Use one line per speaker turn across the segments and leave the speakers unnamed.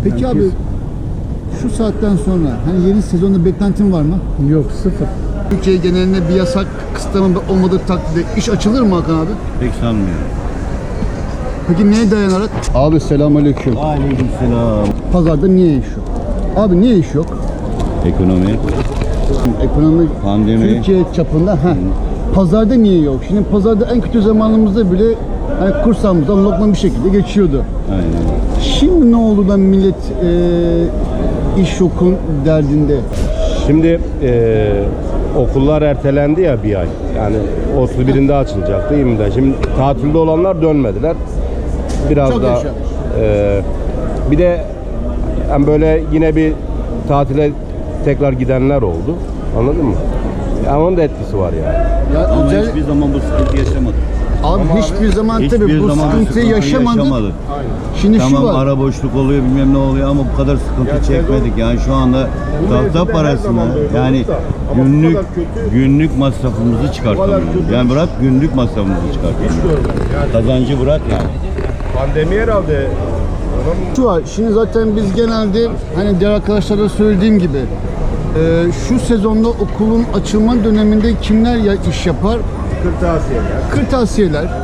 Peki abi şu saatten sonra hani yeni sezonda beklentin var mı?
Yok, sıfır.
Türkiye genelinde bir yasak kısıtlama olmadığı takdirde iş açılır mı Hakan abi?
Pek sanmıyorum.
Peki neye dayanarak? Abi selamünaleyküm.
Aleykümselam.
Pazarda niye iş yok? Abi niye iş yok?
Ekonomi,
Ekonomi,
pandemi.
Türkiye çapında. Pazarda niye yok? Şimdi pazarda en kötü zamanımızda bile hani kursağımızdan lokma bir şekilde geçiyordu.
Aynen.
Şimdi ne oldu da millet iş yokun derdinde?
Şimdi okullar ertelendi ya bir ay. Yani 31'inde açılacaktı, 20'de. Şimdi tatilde olanlar dönmediler. Biraz
Çok
da
yaşa.
bir de yani böyle yine bir tatile tekrar gidenler oldu. Anladın mı? Yani onun da etkisi var yani.
Ya
Ama
özel-
hiçbir zaman bu sıkıntı yaşamadık.
Abi hiçbir zaman
Hiçbir
tabii bu
zaman
sıkıntıyı yaşamadık. Şimdi şu
Tamam,
var.
ara boşluk oluyor, bilmem ne oluyor ama bu kadar sıkıntı çekmedik. Yani şu anda tahta parasını, yani günlük masrafımızı çıkartamıyoruz. Yani bırak günlük masrafımızı çıkartamıyoruz. Kazancı bırak yani.
Pandemi herhalde.
Şu var. Şimdi zaten biz genelde hani diğer arkadaşlara söylediğim gibi şu sezonda okulun açılma döneminde kimler ya iş yapar? Kırtasiyeler,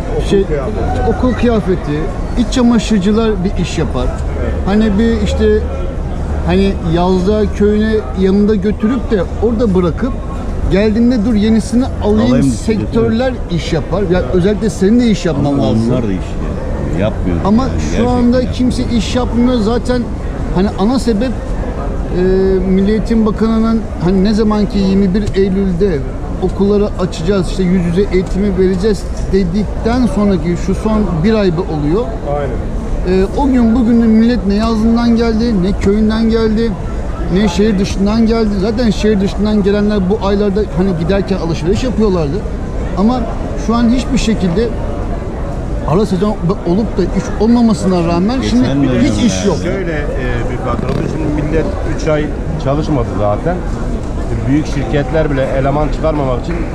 okul kıyafeti, iç çamaşırcılar bir iş yapar. Hani bir işte hani yazda köyüne yanında götürüp de orada bırakıp geldiğinde dur yenisini alayım sektörler iş yapar. Ya özellikle senin de iş yapman lazım.
Onlar da iş yapmıyor.
Ama
yani,
şu
gerçekten
anda
yapmıyor.
kimse iş yapmıyor. Zaten hani ana sebep Milli Eğitim Bakanı'nın hani ne zamanki 21 Eylül'de okulları açacağız, işte yüz yüze eğitimi vereceğiz dedikten sonraki şu son bir ay oluyor.
Aynen.
O gün bugün de millet ne yazından geldi, ne köyünden geldi, ne şehir dışından geldi. Zaten şehir dışından gelenler bu aylarda hani giderken alışveriş yapıyorlardı. Ama şu an hiçbir şekilde ara sezon olup da iş olmamasına rağmen şimdi
Geçen dönem
hiç iş yok.
Şöyle bir faktör oldu. Şimdi millet 3 ay çalışmadı zaten. Büyük şirketler bile eleman çıkarmamak için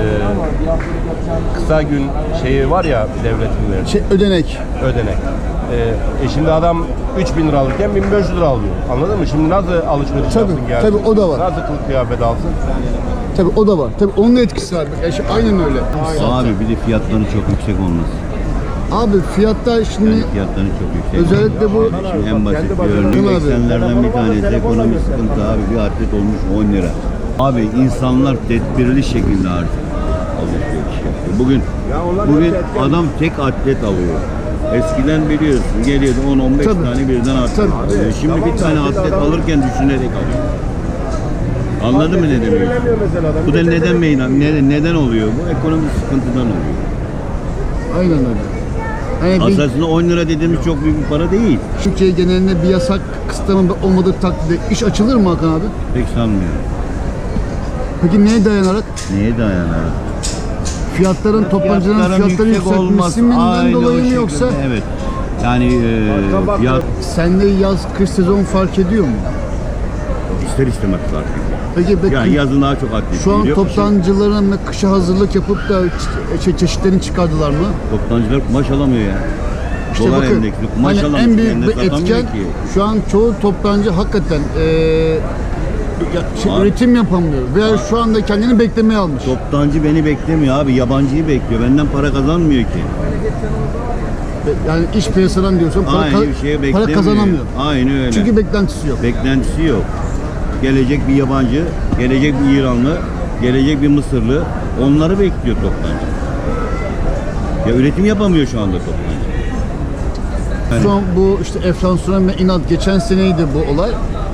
kısa gün şeyi var ya devletin verdiği,
Ödenek.
ödenek. Şimdi adam 3.000 lira alırken 1.500 lira alıyor. Anladın mı? Şimdi nasıl alışveriş
Tabii,
yapsın gelsin?
tabii o da var.
Nasıl kılık kıyafet alsın?
Tabii o da var. Tabii onun da etkisi var. Aynen öyle.
Abi bir de fiyatları çok yüksek olması.
Abi fiyatta şimdi
Yani fiyatları çok yüksek.
özellikle bu
Şimdi en basit bir
Değil
örnek
mi abi?
eksenlerden bir tanesi ekonomi sıkıntı abi. Bir atlet olmuş 10 lira. Abi insanlar tedbirli şekilde artık alışveriş yapıyor. Bugün adam tek atlet alıyor. Eskiden biliyorsun geliyordu 10-15
Tabii.
tane birden atlet
Tabii.
alıyor. Şimdi bir tane atlet alırken düşünerek alıyor. Anladın mı ne demek? Bu da neden oluyor? Bu ekonomik sıkıntıdan oluyor.
aynen öyle. Hani bir
Aslında 10 lira dediğimiz çok büyük bir para değil.
Türkiye genelinde bir yasak kısıtlama olmadığı takdirde iş açılır mı Hakan abi?
Pek sanmıyorum.
Peki neye dayanarak?
Neye dayanarak?
Fiyatların toptancıların fiyatları yükseltmesinden
Aynı o
dolayı mı
şekilde,
yoksa
evet. Yani fiyat
sende yaz kış sezon fark ediyor mu?
ister istemez fark ediyor.
Peki
Yani yazın daha çok atlet
şu an
geliyor.
toptancıların kışa hazırlık yapıp da çeşitlerini çıkardılar mı?
Toptancılar kumaş alamıyor ya.
İşte
Dolar
bakın,
endeksli kumaş
hani
alamıyor.
en büyük
Kendine
bir
satamıyor
etken
ki.
şu an çoğu toptancı hakikaten
Abi.
üretim yapamıyor veya şu anda kendini beklemeye almış.
Toptancı beni beklemiyor abi. Yabancıyı bekliyor. Benden para kazanmıyor ki.
Yani iş piyasadan diyorsun
Aynı bir şeye
para
beklemiyor.
kazanamıyor.
Aynı öyle.
Çünkü beklentisi yok.
Beklentisi yok. Gelecek bir yabancı, gelecek bir İranlı, gelecek bir Mısırlı. Onları bekliyor toptancı. Ya üretim yapamıyor şu anda toptancı. Yani
Son bu işte enflasyon ve inat geçen seneydi bu olay.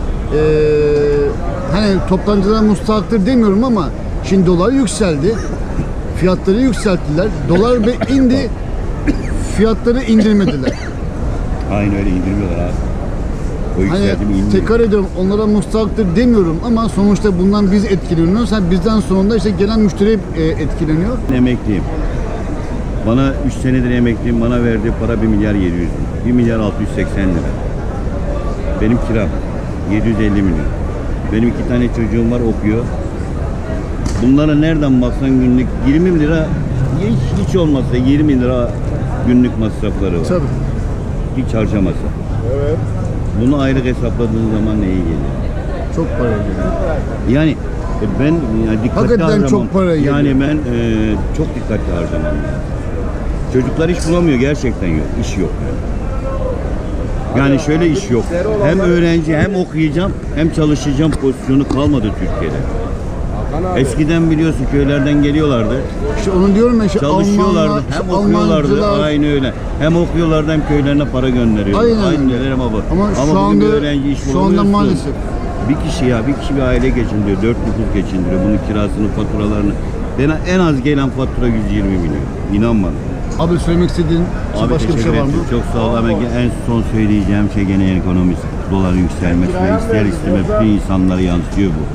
Hani toptancılar mustahaktır demiyorum ama şimdi dolar yükseldi. Fiyatları yükselttiler. Dolar indi. Fiyatları indirmediler.
aynı öyle indirmiyorlar abi. O
Hani
yükseltimi indirmiyor.
tekrar ediyorum onlara mustahaktır demiyorum ama sonuçta bundan biz etkileniyoruz. Yani bizden sonunda işte gelen müşteri etkileniyor.
Emekliyim. Bana 3 senedir emekliyim. Bana verdiği para 1 milyar 700 bin. 1 milyar 680 lira. Benim kiram 750 milyon. Benim 2 tane çocuğum var okuyor. Bunlara nereden baksan günlük 20 lira hiç olmazsa 20 lira günlük masrafları var.
Tabii.
Hiç harcamasa.
Evet.
Bunu aylık hesapladığın zaman neye geliyor?
Çok para ediyor.
Yani ben yani dikkatli
Hakikaten
harcamam.
çok para geliyor.
Yani ben çok dikkatli harcamam lazım. Çocuklar iş bulamıyor, gerçekten yok. İş yok yani. Yani şöyle iş yok. Hem öğrenci hem okuyacağım hem çalışacağım pozisyonu kalmadı Türkiye'de. Eskiden biliyorsun köylerden geliyorlardı.
İşte onu diyorum ya, işte
Çalışıyorlardı,
Almanlar,
hem
işte
okuyorlardı,
Almancılar.
aynı öyle. Hem okuyorlardı hem köylerine para gönderiyorlardı.
Aynen
Aynı
öyle.
neler ama bak.
Ama şu
bugün
anda-
bir öğrenci iş
şu anda
bulamıyorsun.
maalesef.
Bir kişi bir aile geçindiriyor, 4 nüfus geçindiriyor. Bunun kirasını, faturalarını. En az gelen fatura 120 milyon. İnan bana.
Abi söylemek istediğin
Abi
başka bir şey
teşekkür
var mı?
ederim. Çok sağ ol. En son söyleyeceğim şey gene ekonomisi. Doların yükselmesi ve ister istemez bütün insanlara yansıyor bu.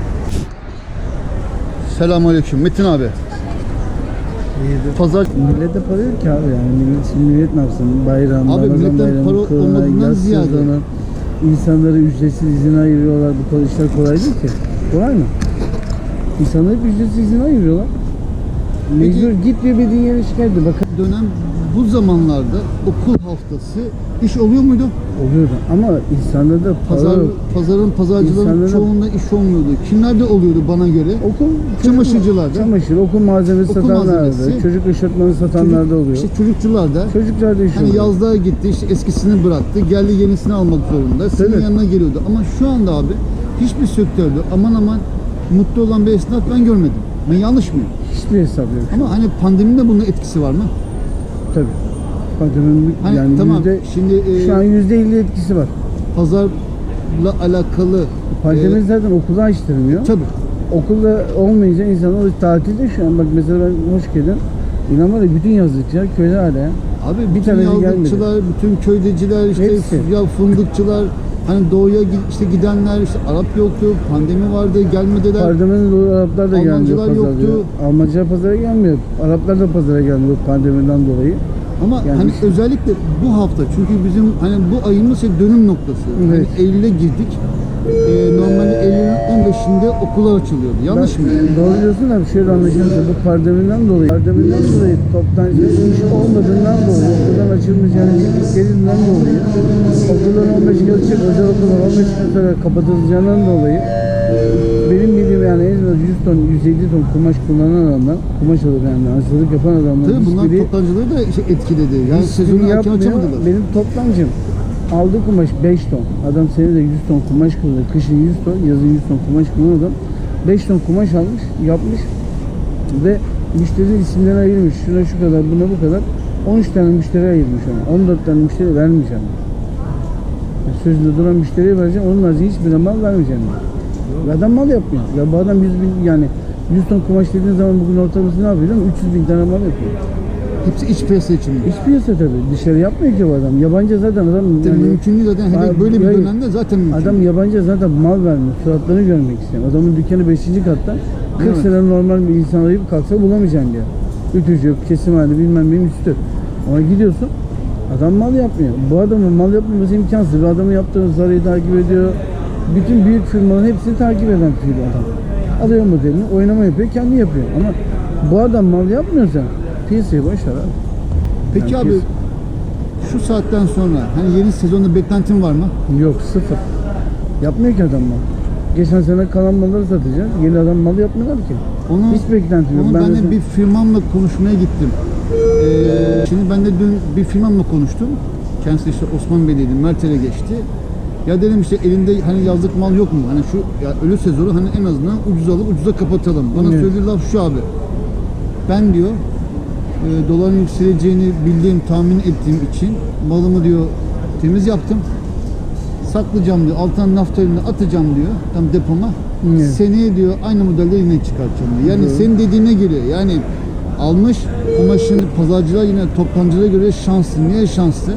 Selamünaleyküm Metin abi. Pazar
Millete para yok ki abi yani. Millet ne yapsın? Bayram,
Abi
Ramazan
milletten
bayramı,
para
Kıbrıs,
olmadığından
yaz
ziyade-
sezonu, insanları ücretsiz izin ayırıyorlar. Bu kadar işler kolay değil ki. Kolay mı? İnsanları hep ücretsiz izin ayırıyorlar.
Peki-
Mecbur git diyor, bir yere şikayet ediyor. Bakın
dönem bu zamanlarda okul haftası iş oluyor muydu?
oluyordu ama insanlarda para
Pazar,
yok.
pazarcıların
İnsanların-
çoğunda iş olmuyordu. Kimlerde oluyordu bana göre?
Okul,
Çamaşırcılarda.
Çamaşır, okul malzemesi
Okul
satanlarda,
malzemesi.
çocuk eşofmanı satanlarda oluyor.
İşte çocukçularda.
Çocuklarda iş
Hani
oluyor.
yazlığa gitti, işte eskisini bıraktı, geldi yenisini almak zorunda. Senin
Tabii.
yanına geliyordu. Ama şu anda abi hiçbir sektörde aman aman mutlu olan bir esnaf ben görmedim. Ben yanlış mıyım?
Hiçbir hesap yok.
Ama hani pandeminin de bunun etkisi var mı?
Tabii. Pandeminin
Hani
yani
tamam
yüzde,
şimdi
şu an %50 etkisi var.
pazarla alakalı
Pandemi zaten okulu açtırmıyor.
tabii.
Okulda olmayınca insanlar tatilde şu an. Bak mesela ben Hoşgörü'den inan var ya, bütün yazlıkçılar köyde hala ya.
Abi
Bir
bütün
tanesi
yazlıkçılar, bütün köydeciler, işte
Hepsi.
ya fındıkçılar, hani doğuya işte gidenler, işte Arap yoktu, pandemi vardı, gelmediler.
Pandemiden dolayı Araplar da gelmiyor
Almancılar
pazara.
yoktu.
Almancılar pazara gelmiyor. Araplar da pazara gelmiyor pandemiden dolayı.
Ama
Yani
hani
işte-
özellikle bu hafta, çünkü bizim hani bu ayımız şey dönüm noktası.
Evet.
Hani Eylül'e girdik. Normalde Eylül'ün 15'inde okullar açılıyordu. Yanlış mı?
Doğru diyorsun da şöyle anlaşılırsa bu pandemiden dolayı toptancı iş olmadığından dolayı, okuldan açılmayacağını bildikleri dolayı, okullar 15 gün açık, özel okullar 15 gün sonra kapatılacağından dolayı benim bildiğim yani en az 100 ton, 150 ton kumaş kullanan adamlar, kumaş alıp yani aşçılık yapan adamlar
Tabii bunlar
hiçbiri
toptancıları da işte etkiledi. Yani
hiçbiri
sezonu erken
yapmıyor.
açamadılar.
Benim toptancım aldığı kumaş 5 ton. Adam senede 100 ton kumaş kullanıyor. Kışın 100 ton, yazın 100 ton kumaş kullanan adam 5 ton kumaş almış, yapmış ve müşterinin isimlerini ayırmış. Şuna şu kadar, buna bu kadar. 13 tane müşteri ayırmış ona. 14 tane müşteri vermeyeceğim. Yani sözünde duran müşteriye vereceğim, onun haricinde hiçbir mal vermeyeceğim. Ve adam mal yapmıyor. Ya bu adam 100 bin, yani 100 ton kumaş dediğin zaman bugün ortalaması ne yapıyor? 300 bin tane mal yapıyor.
Hepsi iç piyasa için mi?
İç piyasa tabii. Dışarı yapmıyor ki bu adam. Yabancı zaten adam.
Tabii
yani-
mümkün değil zaten. Hele
Abi,
böyle bir
hayır.
dönemde zaten mümkün.
Adam yabancı zaten mal vermiyor. Suratlarını görmek istiyor. Adamın dükkanı 5. katta. 40
Evet.
sene normal bir insan arayıp kalksa bulamayacaksın diyor. Ütücü yok, kesim hali bilmem benim üstü. Ama gidiyorsun, adam mal yapmıyor. Bu adamın mal yapmaması imkansız. Bu adamın yaptığı zarayı takip ediyor. Bütün büyük firmaların hepsini takip eden bir adam. Alıyor modelini, oynama yapıyor, kendi yapıyor. Ama bu adam mal yapmıyorsa piyasayı boş ver abi.
Peki
Yani
abi
biz-
şu saatten sonra hani yeni sezonda beklentin var mı?
Yok, sıfır. Yapmıyor ki adam mal. Geçen sene kalan malları satacağız. Yeni adam mal yapmıyorlar ki.
Onu,
Hiç beklentim yok.
Onu ben de
mesela-
bir firmamla konuşmaya gittim. Şimdi ben de dün bir firmamla konuştum. Kendisi işte Osman Bey'deydi, Mertel'e geçti. Ya dedim işte elinde hani yazlık mal yok mu? Hani şu ya ölü sezonu hani en azından ucuz alıp ucuza kapatalım. Bana
Evet.
söylediği laf şu abi. Ben diyor doların yükseleceğini bildiğim, tahmin ettiğim için malımı diyor temiz yaptım. Saklayacağım diyor. Altına naftalinini atacağım diyor. Tam depoma.
Evet.
Seneye diyor aynı modelde yine çıkartacağım diyor. Yani
Evet.
senin dediğine geliyor. Yani almış kumaşını pazarcılar yine toptancılara göre şanslı. Niye şanslı?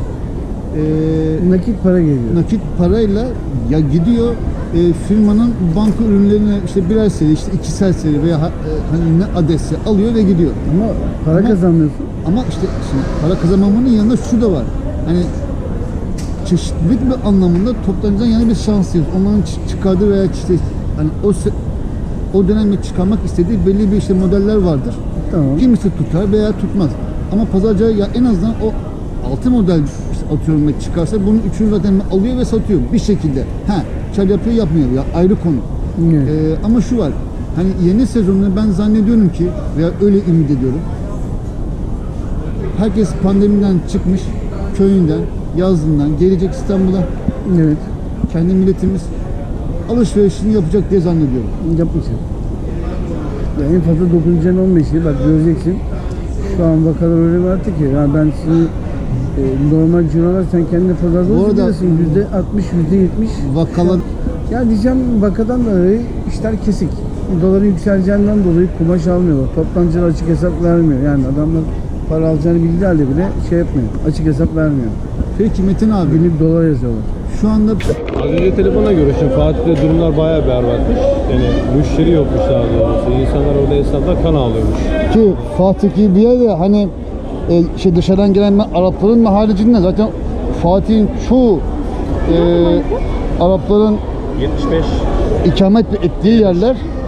Nakit para geliyor.
Nakit parayla ya gidiyor firmanın banka ürünlerini işte birer seri, işte ikişer seri veya hani ne adetse alıyor ve gidiyor.
Ama para
Ama-
kazanmıyorsun.
Ama işte şimdi para kazanmamanın yanında şu da var. Hani çeşitlilik bir anlamında toptancıdan yana bir şanslıyız. Onların çıkardığı veya işte hani o dönemde çıkarmak istediği belli bir işte modeller vardır.
Tamam.
Kimisi tutar veya tutmaz. Ama pazarcı ya en azından o 6 model, işte atıyorum çıkarsa bunun üçünü zaten alıyor ve satıyor bir şekilde. Kar yapıyor yapmıyor ya ayrı konu.
Evet.
Ama şu var. Hani yeni sezonda ben zannediyorum ki veya öyle ümit ediyorum. Herkes pandemiden çıkmış, köyünden, yazlığından gelecek İstanbul'a.
Evet.
Kendi milletimiz alışverişini yapacak diye zannediyorum.
Yapmayacak. Ya en fazla dokunacaksın 15'i. Bak göreceksin. Şu an vakalar öyle bir arttı ki. Yani ben sizi normal cirolar sen kendi pazarda
Bu arada-
olabilirsin. %60, %70.
Vakalar
Ya diyeceğim vakadan dolayı işler kesik. Doların yükseleceğinden dolayı kumaş almıyorlar. Toptancılar açık hesap vermiyor. Yani adamlar para alacağını bildiği halde bile şey yapmıyor. Açık hesap vermiyor.
peki Metin abi
Günlük dolar yazıyorlar.
şu anda
Az önce telefona görüştüm. Fatih'te durumlar bayağı berbatmış. Yani müşteri yokmuş daha doğrusu. İnsanlar orada esnaflar kan ağlıyormuş.
ki Fatih gibi bir yerde hani dışarıdan gelen Arapların haricinde zaten Fatih'in çoğu Arapların
75
ikamet ettiği yerler